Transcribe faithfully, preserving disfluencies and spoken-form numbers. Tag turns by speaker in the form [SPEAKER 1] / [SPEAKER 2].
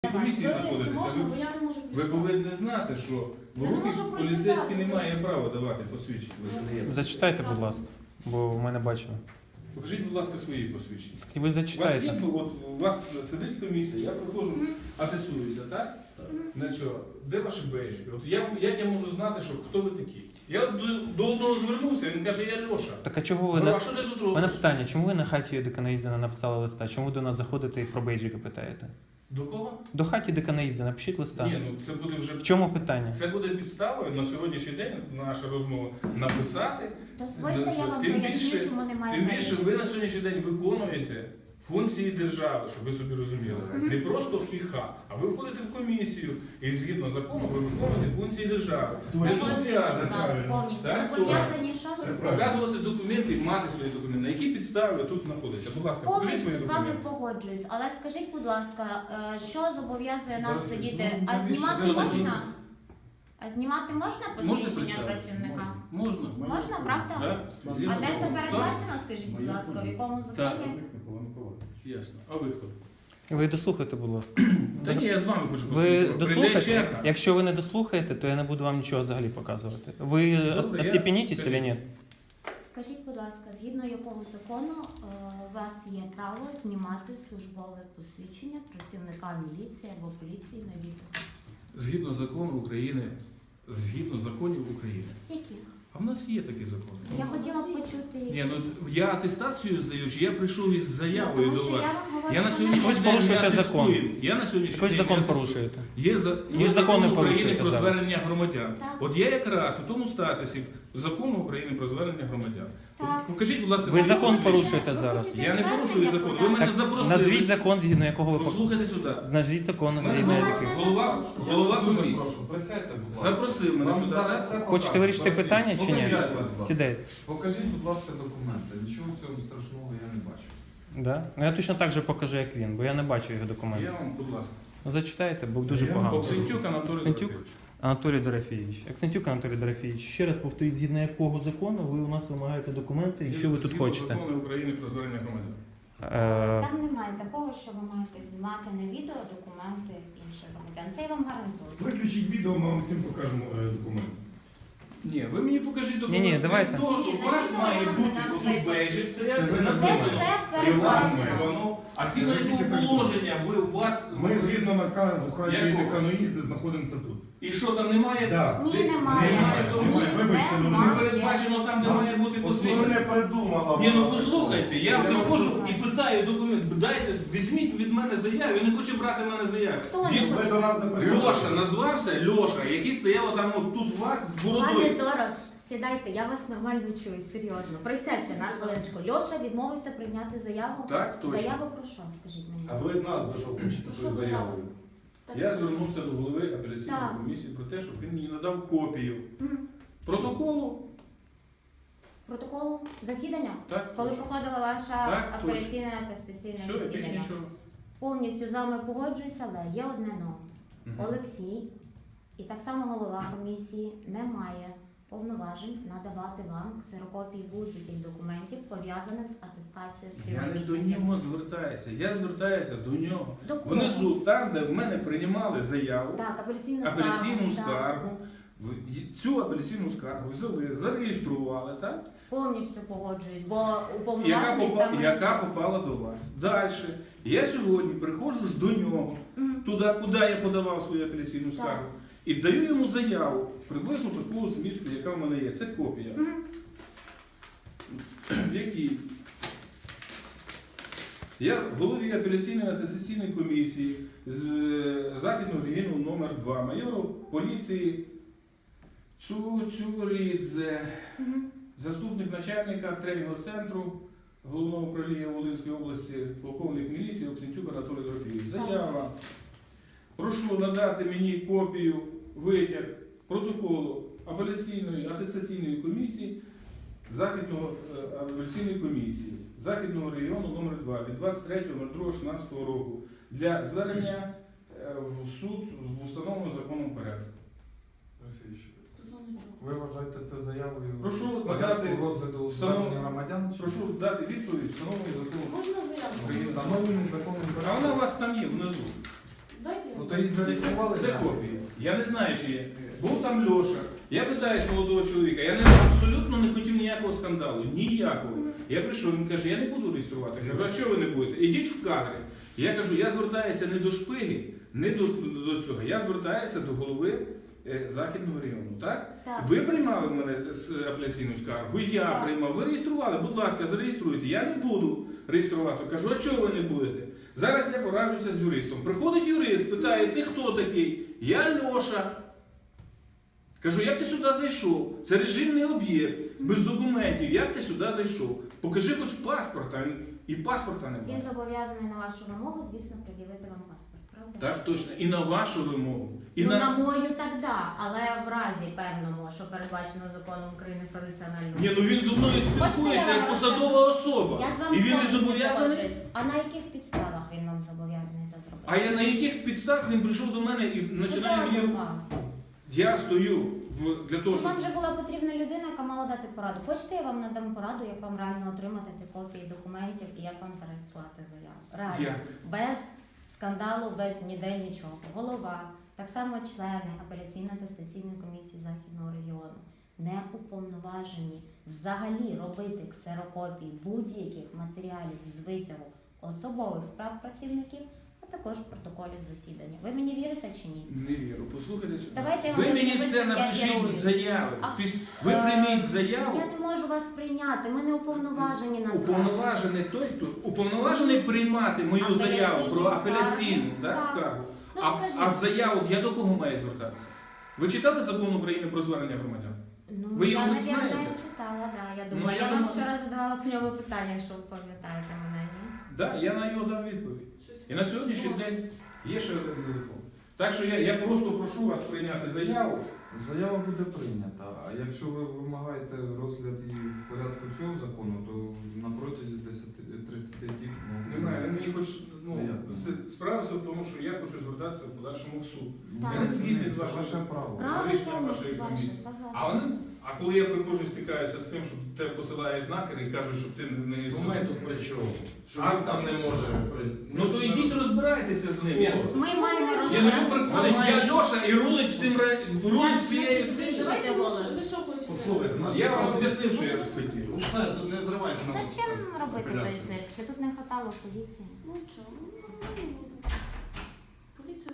[SPEAKER 1] комісії
[SPEAKER 2] Ближче
[SPEAKER 1] знаходитеся,
[SPEAKER 2] можна, бо
[SPEAKER 1] ви,
[SPEAKER 2] я не можу
[SPEAKER 1] ви
[SPEAKER 2] прочитати.
[SPEAKER 1] повинні знати, що в
[SPEAKER 2] Я не
[SPEAKER 1] руки
[SPEAKER 2] можу
[SPEAKER 1] поліцейські
[SPEAKER 2] прочитати,
[SPEAKER 1] не має
[SPEAKER 2] ближче.
[SPEAKER 1] права давати посвідчення. Ви ж даєте.
[SPEAKER 3] Зачитайте, будь ласка, бо в мене бачили.
[SPEAKER 1] Покажіть, будь ласка, свої посвідчення.
[SPEAKER 3] І ви
[SPEAKER 1] У вас є,
[SPEAKER 3] зачитайте.
[SPEAKER 1] от у вас сидить комісія, я приходжу, атестуюся, так? На цього. Де ваші бейджики? От я, як я можу знати, що хто ви такі? Я до, до одного звернувся, він каже, я Льоша.
[SPEAKER 3] Так а чого ви
[SPEAKER 1] Говорю,
[SPEAKER 3] на...
[SPEAKER 1] а що ти тут
[SPEAKER 3] У мене
[SPEAKER 1] робиш?
[SPEAKER 3] питання, чому ви на хаті Деканаїдзена написали листа? Чому ви до нас заходите і про бейджики питаєте?
[SPEAKER 1] До кого?
[SPEAKER 3] До хаті Деканаїдзе напишіть листа.
[SPEAKER 1] Ні, ну це буде вже
[SPEAKER 3] В чому питання?
[SPEAKER 1] це буде підставою на сьогоднішній день наша розмова написати.
[SPEAKER 4] Дозвольте, я вам
[SPEAKER 1] Тим
[SPEAKER 4] поясню,
[SPEAKER 1] більше-
[SPEAKER 4] чому немає
[SPEAKER 1] Тим більше
[SPEAKER 4] бейджиків.
[SPEAKER 1] ви на сьогоднішній день виконуєте функції держави, щоб ви собі розуміли. Не просто хіха, а ви входите в комісію і згідно закону ви виконуєте функції держави. Ви
[SPEAKER 4] Погоджуюсь з
[SPEAKER 1] зобов'язані
[SPEAKER 4] вами повністю.
[SPEAKER 1] Так,
[SPEAKER 4] Зобов'язані що?
[SPEAKER 1] показувати документи, мати свої документи. На які підстави ви тут знаходитеся? Будь ласка, покажіть свої
[SPEAKER 4] Повністю з вами
[SPEAKER 1] документи.
[SPEAKER 4] погоджуюсь. Але скажіть, будь ласка, е, що зобов'язує нас
[SPEAKER 5] Зараз,
[SPEAKER 4] сидіти?
[SPEAKER 5] ну,
[SPEAKER 4] А
[SPEAKER 5] навіщо
[SPEAKER 4] знімати
[SPEAKER 1] ви
[SPEAKER 4] можна? А знімати можна
[SPEAKER 1] Можете
[SPEAKER 4] посвідчення
[SPEAKER 1] представити?
[SPEAKER 4] працівника?
[SPEAKER 1] Можна.
[SPEAKER 4] Можна, правда?
[SPEAKER 1] Так?
[SPEAKER 4] А
[SPEAKER 1] Згідно
[SPEAKER 4] де це
[SPEAKER 1] закону.
[SPEAKER 4] передбачено, скажіть, будь ласка, в якому законі?
[SPEAKER 1] Ясно. А ви хто?
[SPEAKER 3] Ви дослухайте, будь ласка.
[SPEAKER 1] Та ні, я з вами хочу
[SPEAKER 3] Ви
[SPEAKER 1] поспілкуватися. Прийде
[SPEAKER 3] дослухайте?
[SPEAKER 1] черга.
[SPEAKER 3] Якщо ви не дослухаєте, то я не буду вам нічого взагалі показувати. Ви
[SPEAKER 1] Добре, я-
[SPEAKER 3] остепенітесь чи ні?
[SPEAKER 4] Скажіть, будь ласка, згідно якого закону е, у вас є право знімати службове посвідчення працівника міліції або поліції на відео?
[SPEAKER 1] Згідно закону України, згідно законів України.
[SPEAKER 4] Яких?
[SPEAKER 1] А в нас є такі закони.
[SPEAKER 4] Я хотіла б почути.
[SPEAKER 1] Ні, ну я атестацію здаю, чи я прийшов із заявою
[SPEAKER 4] Тому
[SPEAKER 1] до
[SPEAKER 4] що
[SPEAKER 1] вас.
[SPEAKER 4] я вам говорю,
[SPEAKER 1] Я на
[SPEAKER 4] що
[SPEAKER 1] сьогоднішній
[SPEAKER 3] Ви ж
[SPEAKER 1] день не
[SPEAKER 3] порушуєте закон.
[SPEAKER 1] атестую. Я на сьогоднішній
[SPEAKER 3] Ви ж
[SPEAKER 1] день
[SPEAKER 3] закон
[SPEAKER 1] не атестую.
[SPEAKER 3] порушуєте.
[SPEAKER 1] Є, за,
[SPEAKER 3] Ви
[SPEAKER 1] є
[SPEAKER 3] ж закон не
[SPEAKER 1] закон України
[SPEAKER 3] порушуєте
[SPEAKER 1] про
[SPEAKER 3] зараз.
[SPEAKER 1] звернення громадян.
[SPEAKER 4] Так.
[SPEAKER 1] От я якраз у тому статусі закону України про звернення громадян.
[SPEAKER 4] Так.
[SPEAKER 1] Покажіть, будь ласка,
[SPEAKER 3] Ви
[SPEAKER 1] своє
[SPEAKER 3] закон
[SPEAKER 1] посвідчення.
[SPEAKER 3] порушуєте зараз.
[SPEAKER 1] Я не порушую закон. Ви мене
[SPEAKER 3] Так,
[SPEAKER 1] запросили.
[SPEAKER 3] назвіть закон, згідно якого ви по-
[SPEAKER 1] Послухайте сюди.
[SPEAKER 3] назвіть закон,
[SPEAKER 1] Мене
[SPEAKER 3] згідно
[SPEAKER 4] вас
[SPEAKER 3] якого.
[SPEAKER 4] не
[SPEAKER 1] Голова,
[SPEAKER 4] запрошую.
[SPEAKER 1] голова
[SPEAKER 5] Я вас дуже
[SPEAKER 1] комісії
[SPEAKER 5] прошу, присядьте, будь ласка.
[SPEAKER 1] запросив мене
[SPEAKER 5] Вам
[SPEAKER 1] сюди.
[SPEAKER 5] зараз все
[SPEAKER 3] Хочете
[SPEAKER 5] покажуть.
[SPEAKER 3] вирішити
[SPEAKER 5] Покажіть.
[SPEAKER 3] питання чи ні?
[SPEAKER 5] Покажіть, будь ласка.
[SPEAKER 3] Сідайте.
[SPEAKER 5] Покажіть, будь ласка, документи. Нічого в цьому страшного я не бачу.
[SPEAKER 3] Да? Ну я точно так же покажу, як він, бо я не бачу його
[SPEAKER 1] Я
[SPEAKER 3] документів.
[SPEAKER 1] вам, будь ласка.
[SPEAKER 3] Ну зачитайте, бо дуже
[SPEAKER 5] Я
[SPEAKER 3] погано.
[SPEAKER 1] Оксентюк Анатолій
[SPEAKER 3] Оксентюк?
[SPEAKER 1] Дорофеєвич.
[SPEAKER 3] Анатолій Дорофійович. Аксентюк Анатолій Дорофійович, ще раз повторіть, згідно якого закону ви у нас вимагаєте документи і що ви тут
[SPEAKER 1] Згідно
[SPEAKER 3] хочете?
[SPEAKER 1] Закону України про звернення громадян.
[SPEAKER 3] Е,
[SPEAKER 4] Там немає такого, що ви маєте знімати на відео документи інших громадян. Це я вам гарантую.
[SPEAKER 6] Виключіть відео, ми вам всім покажемо е, документи.
[SPEAKER 1] Ні, ви мені покажіть документи.
[SPEAKER 3] Ні-ні, давайте.
[SPEAKER 1] Того, що
[SPEAKER 4] Ні,
[SPEAKER 1] у вас
[SPEAKER 4] на
[SPEAKER 1] має
[SPEAKER 4] відео я
[SPEAKER 1] бути
[SPEAKER 4] вам не дам
[SPEAKER 1] тут
[SPEAKER 4] цей
[SPEAKER 1] бейджик
[SPEAKER 6] Це
[SPEAKER 1] стояти,
[SPEAKER 6] ви
[SPEAKER 1] написано.
[SPEAKER 4] Де це передбачено?
[SPEAKER 1] Воно. А згідно
[SPEAKER 6] Це
[SPEAKER 1] якого
[SPEAKER 6] тільки так
[SPEAKER 1] положення ви у вас...
[SPEAKER 6] Ми згідно наказу Харків
[SPEAKER 1] Якого?
[SPEAKER 6] Деканоїдзе знаходимося тут.
[SPEAKER 1] І що там немає?
[SPEAKER 6] Да.
[SPEAKER 4] Ні,
[SPEAKER 1] Ти-
[SPEAKER 4] немає.
[SPEAKER 1] Немає, тому
[SPEAKER 4] Ні,
[SPEAKER 6] Вибачте, ну,
[SPEAKER 1] не
[SPEAKER 4] немає.
[SPEAKER 1] передбачено там, де має бути
[SPEAKER 6] Ви
[SPEAKER 1] посвідчення.
[SPEAKER 6] не придумала.
[SPEAKER 1] Ні, ну
[SPEAKER 6] вона.
[SPEAKER 1] послухайте, я
[SPEAKER 6] Я
[SPEAKER 1] заходжу
[SPEAKER 4] розумію.
[SPEAKER 1] і питаю документ. Дайте, візьміть від мене заяву. Я не хочу брати в мене заяву.
[SPEAKER 4] Хто не
[SPEAKER 1] Він-
[SPEAKER 6] Ви до нас не прийшли.
[SPEAKER 1] Льоша назвався, Льоша, який стояв там от тут у вас з
[SPEAKER 4] Пане
[SPEAKER 1] бородою.
[SPEAKER 4] Дорош, сідайте, я вас нормально чую, серйозно. Присядьте на хвилиночку. Льоша відмовився прийняти заяву.
[SPEAKER 1] Так, точно.
[SPEAKER 4] Заяву про що, скажіть мені?
[SPEAKER 6] А ви від нас, ви що хочете
[SPEAKER 2] Що
[SPEAKER 6] свою
[SPEAKER 2] заяву?
[SPEAKER 6] заявою?
[SPEAKER 2] Так.
[SPEAKER 1] Я звернувся до голови апеляційної
[SPEAKER 4] Так.
[SPEAKER 1] комісії про те, щоб він мені надав копію
[SPEAKER 4] Мгм.
[SPEAKER 1] протоколу.
[SPEAKER 4] Протоколу засідання?
[SPEAKER 1] Так,
[SPEAKER 4] Коли
[SPEAKER 1] точно.
[SPEAKER 4] проходила ваша
[SPEAKER 1] Так, точно.
[SPEAKER 4] апеляційне атестаційне
[SPEAKER 1] Все, більше
[SPEAKER 4] засідання?
[SPEAKER 1] нічого.
[SPEAKER 4] Повністю з вами погоджуюся, але є одне но.
[SPEAKER 1] Мгм.
[SPEAKER 4] Олексій і так само голова комісії не має повноважень надавати вам ксерокопії будь-яких документів, пов'язаних з атестацією
[SPEAKER 1] Я не до
[SPEAKER 4] співробітників.
[SPEAKER 1] нього звертаюся, я звертаюся до нього.
[SPEAKER 4] До кого?
[SPEAKER 1] Внизу, там, де в мене приймали заяву,
[SPEAKER 4] Так, апеляційну,
[SPEAKER 1] апеляційну
[SPEAKER 4] скаргу, так.
[SPEAKER 1] скаргу, в- цю апеляційну скаргу взяли, зареєстрували, так?
[SPEAKER 4] Повністю погоджуюсь, бо
[SPEAKER 1] Яка,
[SPEAKER 4] уповноважений
[SPEAKER 1] попа-
[SPEAKER 4] саме...
[SPEAKER 1] яка попала до вас. Далі. Я сьогодні приходжу ж до нього,
[SPEAKER 4] Мгм.
[SPEAKER 1] туди, куди я подавав свою апеляційну скаргу, і даю йому заяву, приблизно такого змісту, яка в мене є. Це копія.
[SPEAKER 4] Мгм.
[SPEAKER 1] В якій я голові апеляційної атестаційної комісії з е, Західного регіону номер два майору поліції Цюцюрідзе,
[SPEAKER 4] Мгм.
[SPEAKER 1] заступник начальника тренінгового центру Головного управління Волинської області, полковник міліції Оксентюк Анатолій Дорофійович. Заява. Прошу надати мені копію, витяг протоколу апеляційної атестаційної комісії Західного е, апеляційної комісії Західного регіону номер два від двадцять третього другого шістнадцятого року для звернення е, в суд в установленому законом порядку.
[SPEAKER 5] Дорофійович,
[SPEAKER 2] Стосовно чого?
[SPEAKER 5] ви вважаєте це заявою
[SPEAKER 1] Прошу
[SPEAKER 5] в порядку
[SPEAKER 1] надати
[SPEAKER 5] розгляду
[SPEAKER 1] встанов-
[SPEAKER 5] звернення громадян? чи-
[SPEAKER 1] Прошу дати відповідь встановленому законом.
[SPEAKER 2] Можна заяву?
[SPEAKER 5] Встановлений законом
[SPEAKER 1] А
[SPEAKER 5] порядку.
[SPEAKER 1] вона у вас там є внизу.
[SPEAKER 2] Дайте я
[SPEAKER 5] Ну, Тобто її зареєстрували?
[SPEAKER 1] Це копії. Я не знаю, чи є. Був там Льоша. Я питаюсь молодого чоловіка, я не, абсолютно не хотів ніякого скандалу, ніякого. Я прийшов, він каже, я не буду реєструвати. Я кажу, а що ви не будете? Ідіть в кадри. Я кажу, я звертаюся не до шпиги, не до, до цього. Я звертаюся до голови е, Західного району. Так?
[SPEAKER 4] Так.
[SPEAKER 1] Ви приймали в мене з апеляційну скаргу, я
[SPEAKER 4] Так.
[SPEAKER 1] приймав, ви реєстрували, будь ласка, зареєструйте. Я не буду реєструвати. Кажу, а чого ви не будете? Зараз я пораджуся з юристом. Приходить юрист, питає, ти хто такий? Я Льоша. Кажу, як ти сюди зайшов? Це режимний об'єкт, без документів. Як ти сюди зайшов? Покажи хоч паспорт, а він і паспорта
[SPEAKER 4] Він
[SPEAKER 1] немає.
[SPEAKER 4] зобов'язаний на вашу вимогу, звісно, пред'явити вам паспорт, правда?
[SPEAKER 1] Так, точно. І на вашу вимогу. І
[SPEAKER 4] ну,
[SPEAKER 1] на...
[SPEAKER 4] на мою так да, але в разі певному, що передбачено законом України про національну.
[SPEAKER 1] Ні, ну він зі мною спілкується як посадова особа.
[SPEAKER 4] Я з вами
[SPEAKER 1] І він не
[SPEAKER 4] повністю
[SPEAKER 1] зобов'язаний.
[SPEAKER 4] погоджуюсь. А на яких підставах він вам зобов'язаний це зробити?
[SPEAKER 1] А я на яких підставах він прийшов до мене і починає
[SPEAKER 4] Ну,
[SPEAKER 1] мені...
[SPEAKER 4] до вас.
[SPEAKER 1] Я стою в... для того, щоб...
[SPEAKER 4] Вам вже була потрібна людина, яка мала дати пораду. Хочете, я вам надам пораду, як вам реально отримати ті копії документів і як вам зареєструвати заяву. Реально.
[SPEAKER 1] Як?
[SPEAKER 4] Без скандалу, без ніде нічого. Голова, так само члени апеляційно-атестаційної комісії Західного регіону не уповноважені взагалі робити ксерокопії будь-яких матеріалів з витягу особових справ працівників, а також протоколів засідання. Ви мені вірите чи ні?
[SPEAKER 1] Не вірю. Послухайте сюди.
[SPEAKER 4] Давайте я
[SPEAKER 1] Ви
[SPEAKER 4] вам
[SPEAKER 1] мені
[SPEAKER 4] розкажу,
[SPEAKER 1] це
[SPEAKER 4] як я
[SPEAKER 1] напишіть в
[SPEAKER 4] роблю.
[SPEAKER 1] заяві.
[SPEAKER 4] А,
[SPEAKER 1] Піс- Ви
[SPEAKER 4] е,
[SPEAKER 1] прийміть заяву.
[SPEAKER 4] Я не можу вас прийняти, ми не уповноважені на це.
[SPEAKER 1] Уповноважений той, хто уповноважений приймати мою
[SPEAKER 4] Апеляційні
[SPEAKER 1] заяву про
[SPEAKER 4] скарги.
[SPEAKER 1] апеляційну да,
[SPEAKER 4] Так.
[SPEAKER 1] скаргу.
[SPEAKER 4] Ну,
[SPEAKER 1] А,
[SPEAKER 4] скажіть.
[SPEAKER 1] а заяву я до кого маю звертатися? Ви читали закон України про звернення громадян?
[SPEAKER 4] Ну,
[SPEAKER 1] Ви його
[SPEAKER 4] я,
[SPEAKER 1] не знаєте?
[SPEAKER 4] наверное, читала, да. Я
[SPEAKER 1] Ну,
[SPEAKER 4] думаю,
[SPEAKER 1] я
[SPEAKER 4] я, вам
[SPEAKER 1] думаю-
[SPEAKER 4] вчора задавала по ньому питання, якщо ви пам'ятаєте мене, ні?
[SPEAKER 1] Так, да, я на нього дав відповідь. І на сьогоднішній день є ще один телефон. Так що я, я просто прошу вас прийняти заяву.
[SPEAKER 5] Заява буде прийнята, а якщо ви вимагаєте розгляд і в порядку цього закону, то на протязі десяти-тридцяти днів... ну,
[SPEAKER 1] Немає, він мені хоч, ну,
[SPEAKER 5] Ну, як?
[SPEAKER 1] це- справа все в тому, що я хочу звертатися в подальшому в суд.
[SPEAKER 4] Так.
[SPEAKER 1] Я не згідний з
[SPEAKER 5] Це
[SPEAKER 1] вашим
[SPEAKER 5] ваше право.
[SPEAKER 1] Правильно. рішенням вашої
[SPEAKER 4] ваше,
[SPEAKER 1] комісії.
[SPEAKER 4] согласна.
[SPEAKER 1] А вони, а коли я приходжу і стикаюся з тим, що тебе посилають нахер і кажуть, щоб ти не...
[SPEAKER 6] Ну ми тут при чому? Що
[SPEAKER 1] А-
[SPEAKER 6] він там не може... при-
[SPEAKER 1] Ну то йдіть розбирайтеся з ним. Я,
[SPEAKER 4] Ми маємо
[SPEAKER 1] я
[SPEAKER 4] розглядати.
[SPEAKER 1] не приходить, я Льоша і рулить всім ре- рулить всією цим.
[SPEAKER 2] Давайте, ви що- ви що хочете?
[SPEAKER 6] Послухайте, наш
[SPEAKER 1] Я вам
[SPEAKER 6] справа-
[SPEAKER 1] об'яснив, що я хотів.
[SPEAKER 6] Ну все, тут не зривайте нам.
[SPEAKER 4] Зачем робити той
[SPEAKER 6] апеляцію.
[SPEAKER 4] цирк? Ще тут не хватало поліції.
[SPEAKER 2] Ну чого? Ну,